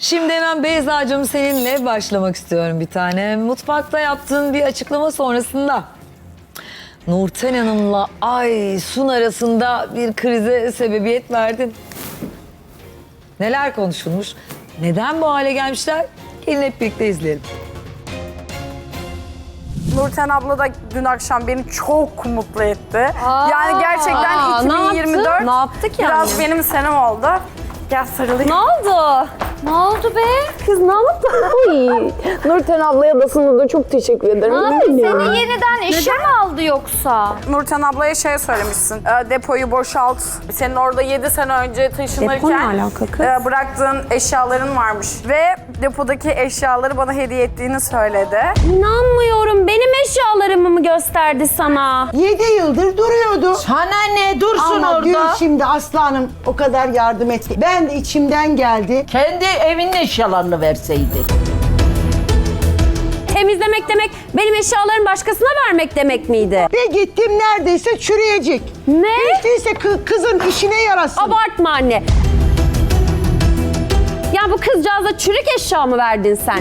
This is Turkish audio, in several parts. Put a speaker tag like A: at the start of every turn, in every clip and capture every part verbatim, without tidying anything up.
A: Şimdi hemen Beyza'cığım seninle başlamak istiyorum bir tane. Mutfakta yaptığın bir açıklama sonrasında Nurten Hanım'la Aysun arasında bir krize sebebiyet verdin. Neler konuşulmuş? Neden bu hale gelmişler? Gelin hep birlikte izleyelim.
B: Nurten abla da dün akşam beni çok mutlu etti.
C: Aa,
B: yani gerçekten
C: aa,
B: iki bin yirmi dört
C: ne yaptı? Ne yaptık yani?
B: biraz benim senem oldu. Gel sarılayım.
C: Ne oldu? Ne oldu be?
D: Kız ne yaptın? Ay, Nurten ablaya da sana da çok teşekkür ederim.
C: Ne yaptı?
D: Bilmiyorum.
C: Seni yeniden işe mi aldı yoksa?
B: Nurten ablaya şey söylemişsin. e, Depoyu boşalt. Senin orada yedi sene önce taşınırken
D: Depo ne alaka kız?
B: e, bıraktığın eşyaların varmış. Ve depodaki eşyaları bana hediye ettiğini söyledi.
C: İnanmıyorum. Benim eşyalarımı mı gösterdi sana?
E: Yedi yıldır duruyordu.
F: Sana ne dursun
E: Ama dün
F: orada.
E: şimdi Aslanım o kadar yardım etti. Ben de içimden geldi.
F: Kendi evinin eşyalarını verseydi.
C: Temizlemek demek benim eşyalarımı başkasına vermek demek miydi?
E: Ve gittim neredeyse çürüyecek.
C: Ne?
E: Hiç değilse kı- kızın işine yarasın.
C: Abartma anne. Ya bu kızcağıza çürük eşya mı verdin sen?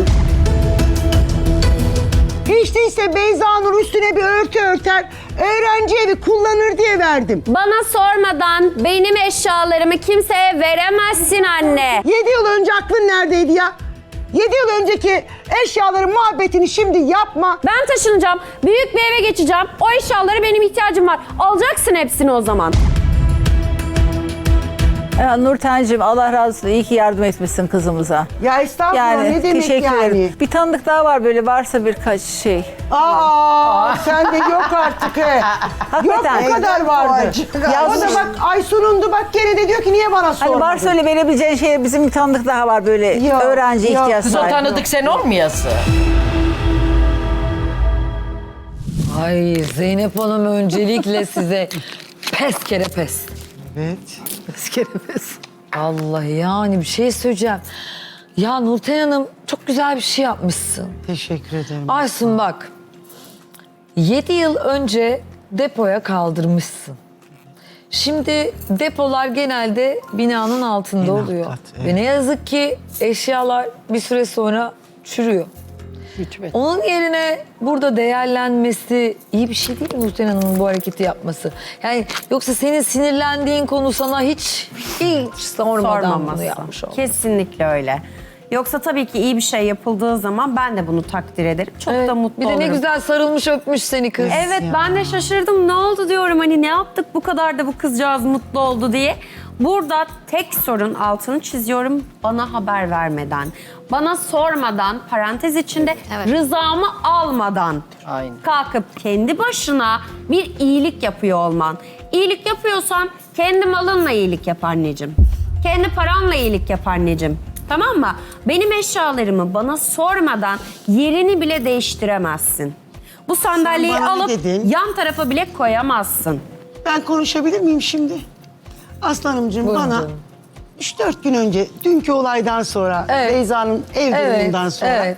E: Hiç değilse Beyza Nur üstüne bir örtü örter, öğrenci evi kullanır diye verdim.
C: Bana sormadan benim eşyalarımı kimseye veremezsin anne.
E: Yedi yıl önce aklın neredeydi ya? Yedi yıl önceki eşyaların muhabbetini şimdi yapma.
C: Ben taşınacağım. Büyük bir eve geçeceğim. O eşyalara benim ihtiyacım var. Alacaksın hepsini o zaman.
G: Ya Nurten'cim Allah razı olsun. İyi ki yardım etmişsin kızımıza.
E: Ya estağfurullah
G: Yani
E: ne demek
G: teşekkür
E: yani?
G: ederim. Bir tanıdık daha var böyle varsa birkaç şey.
E: Aa, sen de yok artık he. Yok
G: Hakikaten.
E: bu kadar vardı. Ya o da bak Aysun'undu bak gene de diyor ki niye bana sormadın?
G: Hani varsa öyle verebileceğin şey bizim bir tanıdık daha var böyle
E: Yok,
G: öğrenci
E: yok.
G: ihtiyaç
F: Kız o
G: sahibi.
F: tanıdık sen olmayasın.
A: Ay Zeynep Hanım öncelikle size pes kere pes.
E: Evet.
A: Pes kere pes. Allah yani bir şey söyleyeceğim. Ya Nurten Hanım çok güzel bir şey yapmışsın.
E: Teşekkür ederim.
A: Aysun bak. Yedi yıl önce depoya kaldırmışsın. Şimdi depolar genelde binanın altında
E: En alt
A: oluyor.
E: kat, evet.
A: Ve ne yazık ki eşyalar bir süre sonra çürüyor. Onun yerine burada değerlenmesi iyi bir şey değil mi Nurten Hanım'ın bu hareketi yapması? Yani yoksa senin sinirlendiğin konu sana hiç hiç sormadan bunu
C: Sormaması.
A: yapmış oldu.
C: Kesinlikle öyle. Yoksa tabii ki iyi bir şey yapıldığı zaman ben de bunu takdir ederim. Çok
A: Evet,
C: da mutlu
A: bir de
C: olurum.
A: ne güzel sarılmış öpmüş seni kız.
C: Evet ben de şaşırdım. Ne oldu diyorum hani ne yaptık bu kadar da bu kızcağız mutlu oldu diye. Burada tek sorun altını çiziyorum bana haber vermeden. Bana sormadan parantez içinde rızamı almadan
F: Aynen.
C: kalkıp kendi başına bir iyilik yapıyor olman. İyilik yapıyorsan kendi malınla iyilik yap anneciğim. Kendi paranla iyilik yap anneciğim. Tamam mı? Benim eşyalarımı bana sormadan yerini bile değiştiremezsin. Bu sandalyeyi
E: bana ne
C: alıp
E: dedin?
C: yan tarafa bile koyamazsın.
E: Ben konuşabilir miyim şimdi? Aslanımcığım
A: Buyurun
E: bana
A: canım.
E: üç dört gün önce dünkü olaydan sonra
A: Evet.
E: Beyza'nın ev
A: Evet,
E: durumundan sonra
A: evet.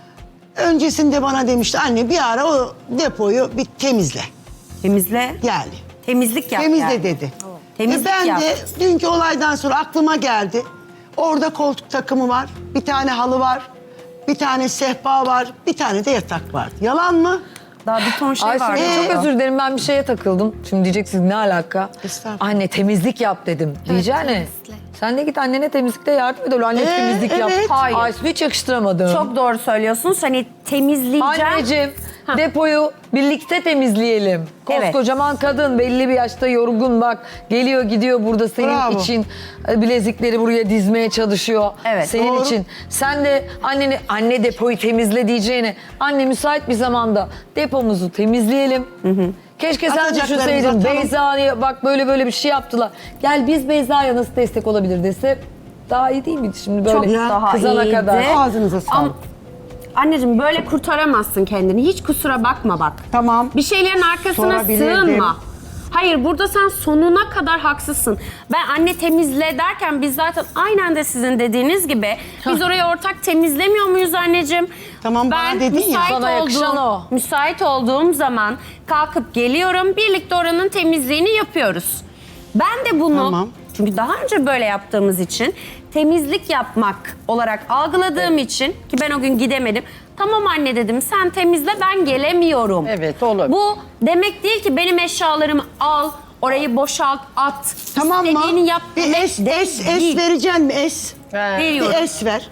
E: öncesinde bana demişti anne bir ara o depoyu bir temizle.
C: Temizle.
E: Yani
C: Temizlik yap
E: temizle
C: yani.
E: dedi.
C: Temizlik
E: Ve ben
C: yap.
E: de dünkü olaydan sonra aklıma geldi. Orada koltuk takımı var, bir tane halı var, bir tane sehpa var, bir tane de yatak var. Yalan mı?
C: Daha bir ton şey
A: Aysun
C: var.
A: çok özür dilerim ben bir şeye takıldım. Şimdi diyeceksiniz ne alaka?
E: Estağfurullah.
A: Anne temizlik yap dedim. Diyeceğine. Sen de git annene temizlikte yardım et. Anne
E: Ee,
A: temizlik yap.
E: evet.
C: Hayır.
A: Aysun hiç yakıştıramadım.
C: Çok doğru söylüyorsunuz. Hani temizleyeceğim.
A: Anneciğim
C: Hah.
A: depoyu birlikte temizleyelim.
C: Evet.
A: Koskocaman kadın belli bir yaşta yorgun bak. Geliyor gidiyor burada senin
E: Bravo.
A: için e, bilezikleri buraya dizmeye çalışıyor.
C: Evet,
A: Senin
E: doğru.
A: için. Sen de anneni anne depoyu temizle diyeceğine anne müsait bir zamanda depomuzu temizleyelim. Keşke sen
E: Atacaklarımızı
A: düşünseydin
E: atalım.
A: Beyza'ya bak böyle böyle bir şey yaptılar. Gel biz Beyza'ya nasıl destek olabilir dese daha iyi değil miydi şimdi böyle
C: Çok daha
A: kızana
C: iyiydi.
A: kadar.
E: Ağzınıza sağlık.
C: Ama anneciğim böyle kurtaramazsın kendini. Hiç kusura bakma bak.
E: Tamam.
C: Bir şeylerin arkasına
E: Sorabilirdim.
C: sığınma. Hayır burada sen sonuna kadar haksızsın. Ben anne temizle derken biz zaten aynen de sizin dediğiniz gibi biz orayı ortak temizlemiyor muyuz anneciğim?
E: Tamam, bana
C: ben
E: dedin ya.
C: müsait
A: Sana yakışan
C: olduğum,
A: o.
C: müsait olduğum zaman kalkıp geliyorum. Birlikte oranın temizliğini yapıyoruz. Ben de bunu
E: Tamam.
C: çünkü daha önce böyle yaptığımız için temizlik yapmak olarak algıladığım için ki ben o gün gidemedim. Tamam anne dedim sen temizle ben gelemiyorum.
F: Evet, olur.
C: Bu demek değil ki benim eşyalarımı al, orayı boşalt, at.
E: Tamam mı?
C: İstediğini yap
E: Bir
C: demek
E: es, es, es
C: değil.
E: vereceksin mi es?
C: Veriyorum.
E: Bir es ver.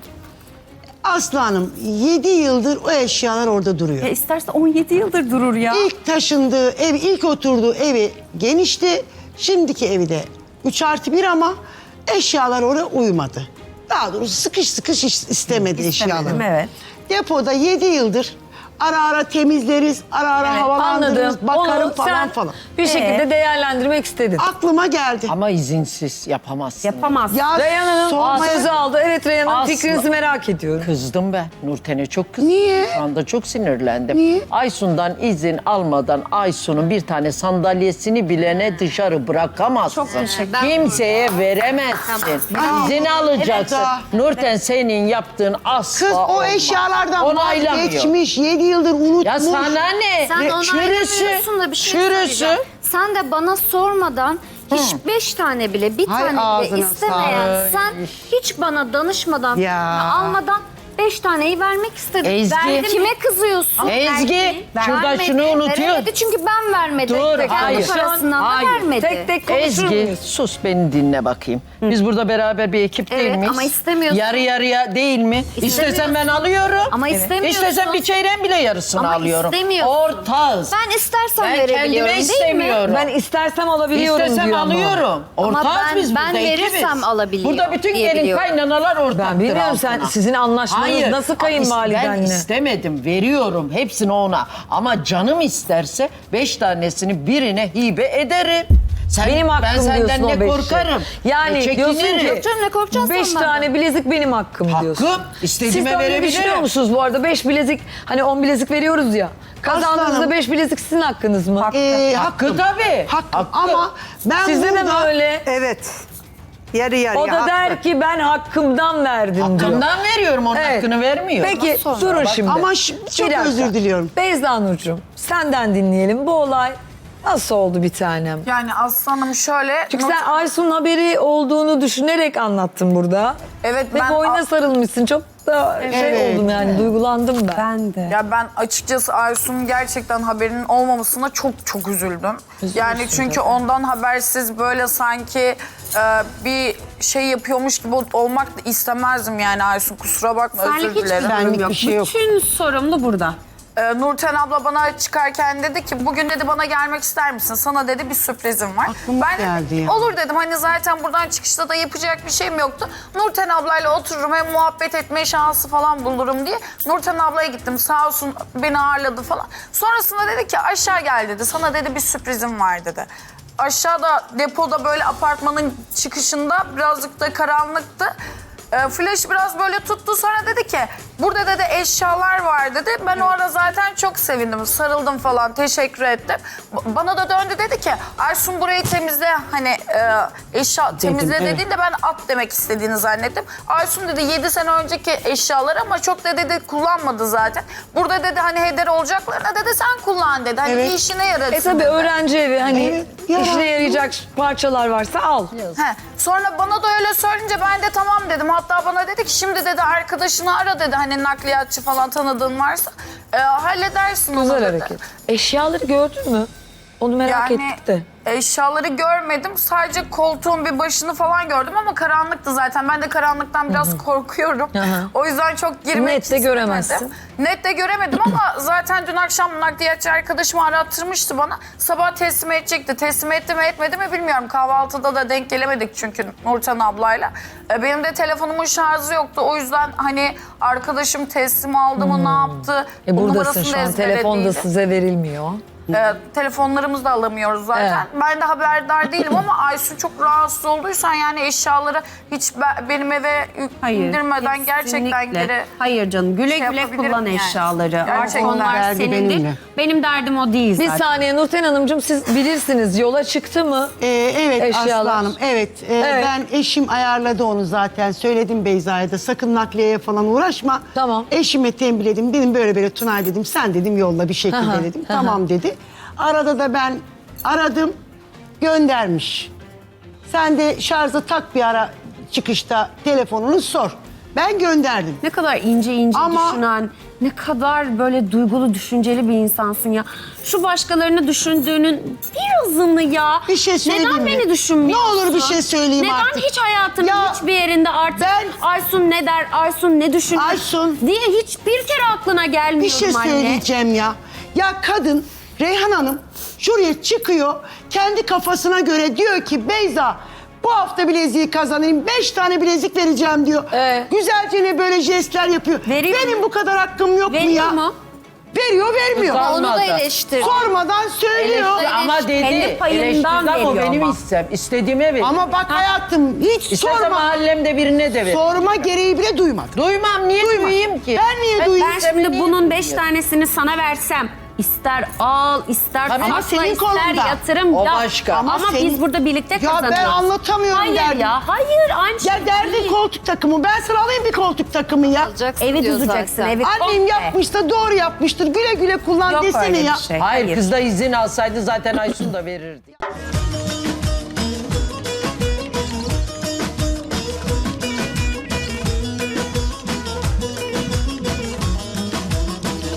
E: Aslı Hanım yedi yıldır o eşyalar orada duruyor.
C: Ya isterse on yedi yıldır durur ya.
E: İlk taşındığı ev, ilk oturduğu evi genişti. Şimdiki evi de üç artı bir ama eşyalar oraya uymadı. Daha doğrusu sıkış sıkış is- istemedi eşyaları.
C: evet.
E: Depoda yedi yıldır ara ara temizleriz, ara ara
A: Evet,
E: havalandırırız,
A: anladım.
E: bakarım
A: Onu
E: falan
A: sen
E: falan.
A: bir şekilde değerlendirmek istedin.
E: Aklıma geldi.
F: Ama izinsiz yapamazsın.
C: Yapamaz.
E: Ya
A: Reyhan Hanım
E: sormaya-
A: sözü aldı. Evet Reyhan Hanım
F: Aslı.
A: fikrinizi merak ediyorum.
F: Kızdım ben. Nurten'e çok kızdım.
E: Niye?
F: Şu anda çok sinirlendim.
E: Niye?
F: Aysun'dan izin almadan Aysun'un bir tane sandalyesini bilene dışarı bırakamazsın.
C: Çok teşekkür-
F: Kimseye veremezsin. İzin alacaksın.
E: Evet,
F: Nurten senin yaptığın asla
E: Kız o
F: olmaz.
E: eşyalardan
F: Onaylamıyor.
E: vazgeçmiş, yedi yıldır unutmuş.
F: Ya sana ne?
H: Sen
F: Ne-
H: onaylamıyorsun da bir şey
F: Çürüsü.
H: söyleyeceğim. Sen de bana sormadan hiç beş tane bile, bir
E: Hay
H: tane bile
E: ağzına
H: istemeyen, sen hiç bana danışmadan,
E: Ya.
H: almadan beş taneyi vermek istedin.
F: Ezgi.
H: Verdim. Kime kızıyorsun?
F: Ezgi, şurada
H: Vermedi,
F: şunu unutuyor.
H: Veremedi çünkü ben vermedim.
F: Dur,
H: Kendi
F: hayır.
H: parasından da
F: Hayır.
H: vermedi.
A: Tek tek konuşur
F: Ezgi
A: muyuz?
F: sus beni dinle bakayım. Biz burada beraber bir ekip değil
H: Evet,
F: miyiz?
H: ama istemiyorsun.
F: Yarı yarıya değil mi? İstesem ben alıyorum.
H: Ama istemiyorsun.
F: İstesem bir çeyreğin bile yarısını
H: Ama
F: alıyorum.
H: istemiyorsun.
F: Ortağız.
H: Ben istersen
F: Ben
H: verebiliyorum
F: kendime
H: değil mi?
F: istemiyorum.
A: Ben istersem alabiliyorum
F: İstesem
A: diyor ama.
F: alıyorum.
H: Ama
F: Ortağız
H: ben-
F: biz
H: ben
F: burada
H: verirsem
F: ekibiz.
H: alabiliyor
F: Burada bütün
H: diye
F: gelin
H: biliyorum.
F: kaynanalar ortaktır
A: Ben bilmiyorum sen
F: altına.
A: sizin anlaşmanız
F: Hayır.
A: nasıl
F: Ben
A: kayınvalidenle?
F: istemedim, veriyorum hepsini ona. Ama canım isterse beş tanesini birine hibe ederim. Sen,
A: Benim hakkım
F: ben senden
A: diyorsun o
F: ne
A: beşi.
F: korkarım.
A: Yani
F: ne
A: diyorsun ki
F: çekinirim.
H: Canım ne korkacaksın
A: beş
H: sen
A: tane
H: benden?
A: bilezik benim hakkım diyorsun.
F: Hakkım.
A: Siz
F: İstediğime
A: de öyle
F: verebilirim.
A: düşünüyor musunuz bu arada? Beş bilezik, hani on bilezik veriyoruz ya. Kazandığınızda
E: Aslanım.
A: beş bilezik sizin hakkınız mı?
E: Ee,
F: Hakkı
E: hakkım.
F: tabii.
E: Hakkım.
F: Hakkı.
E: Ama ben
A: Sizde de mi
E: burada...
A: öyle?
E: Evet. Yarı yarıya.
A: O da
E: haklı.
A: der ki ben hakkımdan verdim diyor.
F: Hakkımdan veriyorum, onun
A: Evet.
F: hakkını vermiyor.
A: Peki durun şimdi.
E: Ama şi-
A: Bir
E: çok
A: dakika.
E: özür diliyorum.
A: Beyza Nurcuğum senden dinleyelim. Bu olay nasıl oldu bir tanem?
B: Yani aslanım şöyle.
A: Çünkü
B: not-
A: sen Aysun'un haberi olduğunu düşünerek anlattın burada.
B: Evet,
A: Ve
B: ben-
A: boyuna sarılmışsın. Çok da şey
E: Evet.
A: oldum yani duygulandım ben.
C: Ben de.
B: Ya ben açıkçası Aysun'un gerçekten haberinin olmamasına çok çok üzüldüm. Yani çünkü ondan habersiz böyle sanki e, bir şey yapıyormuş gibi olmak da istemezdim yani Aysun, kusura bakma,
C: Senlik
B: özür
C: hiçbir
B: dilerim.
C: sorun
E: Benlik
C: yok.
E: bir şey yok.
C: Bütün sorumlu burada.
B: Ee, Nurten abla bana çıkarken dedi ki bugün dedi bana gelmek ister misin? Sana dedi bir sürprizim var.
E: Aklıma
B: ben
E: geldi
B: de,
E: ya.
B: olur dedim, hani zaten buradan çıkışta da yapacak bir şeyim yoktu. Nurten ablayla otururum, hem muhabbet etme şansı falan bulurum diye. Nurten ablaya gittim, sağ olsun beni ağırladı falan. Sonrasında dedi ki aşağı gel dedi, sana dedi bir sürprizim var dedi. Aşağıda depoda böyle apartmanın çıkışında birazcık da karanlıktı. E, flash biraz böyle tuttu, sonra dedi ki burada dedi eşyalar var dedi. Ben o ara zaten çok sevindim, sarıldım falan, teşekkür ettim. B- Bana da döndü dedi ki Aysun burayı temizle, hani e, eşya temizle
E: evet.
B: dediğinde ben at demek istediğini zannettim. Aysun dedi yedi sene önceki eşyalar ama çok da dedi kullanmadı zaten. Burada dedi hani heder olacaklarına dedi sen kullan dedi. Hani
E: Evet.
B: işine yarasın
A: E tabii
B: dedi.
A: öğrenci evi hani
E: Evet, ya.
A: işine yarayacak parçalar varsa al.
B: He. Sonra bana da öyle söyleyince ben de tamam dedim. Hatta bana dedi ki şimdi dedi arkadaşını ara dedi. Hani nakliyatçı falan tanıdığın varsa e, halledersin onu
A: Güzel
B: dedi.
A: hareket. Eşyaları gördün mü? Onu merak
B: Yani
A: ettik de.
B: eşyaları görmedim. Sadece koltuğun bir başını falan gördüm ama karanlıktı zaten. Ben de karanlıktan biraz korkuyorum.
A: hı.
B: O yüzden çok girmek
A: Net de
B: istemedim.
A: göremezsin.
B: Net de göremedim ama zaten dün akşam nakliyatçı arkadaşımı arattırmıştı bana. Sabah teslim edecekti. Teslim etti mi etmedi mi bilmiyorum. Kahvaltıda da denk gelemedik çünkü Nurten ablayla. E, Benim de telefonumun şarjı yoktu. O yüzden hani arkadaşım teslim aldı mı ne yaptı?
A: E
B: O
A: buradasın
B: numarasını
A: şu
B: da
A: an. Telefon da
B: ezberlediydi.
A: size verilmiyor.
B: Ee, telefonlarımızı da alamıyoruz zaten. Ben de haberdar değilim ama Aysun çok rahatsız olduysan yani eşyaları hiç be- benim eve yük-
C: Hayır.
B: indirmeden gerçekten
C: kesinlikle.
B: geri...
C: Hayır canım, güle
B: şey
C: güle
B: yapabilirim
C: kullan
B: yani.
C: eşyaları. Artık
B: Gerçekten.
C: onlar
E: Derdi
C: senindir.
E: benimle.
C: Benim derdim o değil
A: Bir
C: zaten.
A: saniye Nurten Hanımcığım siz bilirsiniz yola çıktı mı?
E: Ee, evet
A: Eşyalar.
E: Aslı Hanım, evet. Ee,
A: Evet.
E: Ben eşim ayarladı onu zaten. Söyledim Beyza'ya da sakın nakliyeye falan uğraşma.
A: Tamam.
E: Eşime tembihledim. Dedim böyle böyle Tunay dedim. Sen dedim yolla bir şekilde
A: Aha,
E: dedim.
A: aha.
E: Tamam dedi. Arada da ben aradım. Göndermiş. Sen de şarja tak bir ara çıkışta telefonunu sor. Ben gönderdim.
C: Ne kadar ince ince
E: Ama-
C: düşünen, ne kadar böyle duygulu, düşünceli bir insansın ya. Şu başkalarını düşündüğünün birazını ya.
E: Bir şey söyleyeyim
C: Neden
E: mi?
C: beni düşünmüyorsun?
E: Ne olur bir şey söyleyeyim
C: Neden
E: artık.
C: hiç hayatının
E: Ya
C: hiçbir yerinde artık
E: ben-
C: Aysun ne der, Aysun ne düşünür
E: Aysun-
C: diye hiçbir kere aklına gelmiyor
E: Bir şey
C: anne.
E: söyleyeceğim ya. Ya kadın Reyhan Hanım şuraya çıkıyor. Kendi kafasına göre diyor ki Beyza bu hafta bileziği kazanayım. Beş tane bilezik vereceğim diyor.
A: Ee?
E: Güzelce ne böyle jestler yapıyor.
C: Veriyor
E: Benim
C: mu?
E: bu kadar hakkım yok mu
C: Veriyor
E: ya?
C: mu?
E: Veriyor vermiyor.
F: Kızar-
H: Onu da
F: Olmadı.
H: eleştir.
E: Sormadan söylüyor.
F: Eleştir ama dedi.
C: Kendi payından
F: eleştirdi ama o
C: veriyor
F: benim
C: ama.
F: istem. İstediğime ver.
E: Ama bak hayatım hiç
F: İstese
E: sorma.
F: mahallemde birine de ver.
E: Sorma gereği bile duymadım.
F: Duymam, niye
E: Duyma.
F: duyayım ki?
E: Ben niye duyayım?
C: Ben şimdi bunun beş tanesini sana versem ister al, ister
F: Tabii.
C: sakla,
E: Ama senin
C: ister
E: kolunda.
C: yatırım
F: O
C: yap.
F: başka.
C: Ama,
E: Ama senin-
C: biz burada birlikte
E: Ya ben
C: kazanıyoruz.
E: anlatamıyorum
C: Hayır
E: derdim.
C: ya, hayır aynı şey
E: Ya derdin
C: değil.
E: koltuk takımı. Ben sana alayım bir koltuk takımı ya.
H: Alacaksın
C: Evi
H: diyor
C: düzeceksin,
H: zaten.
C: evi
E: Annem
C: komple.
E: yapmıştır, doğru yapmıştır. Güle güle kullan
C: Yok
E: desene
C: öyle
E: ya.
C: bir şey.
F: Hayır, kız da izin alsaydı zaten Aysun da verirdi.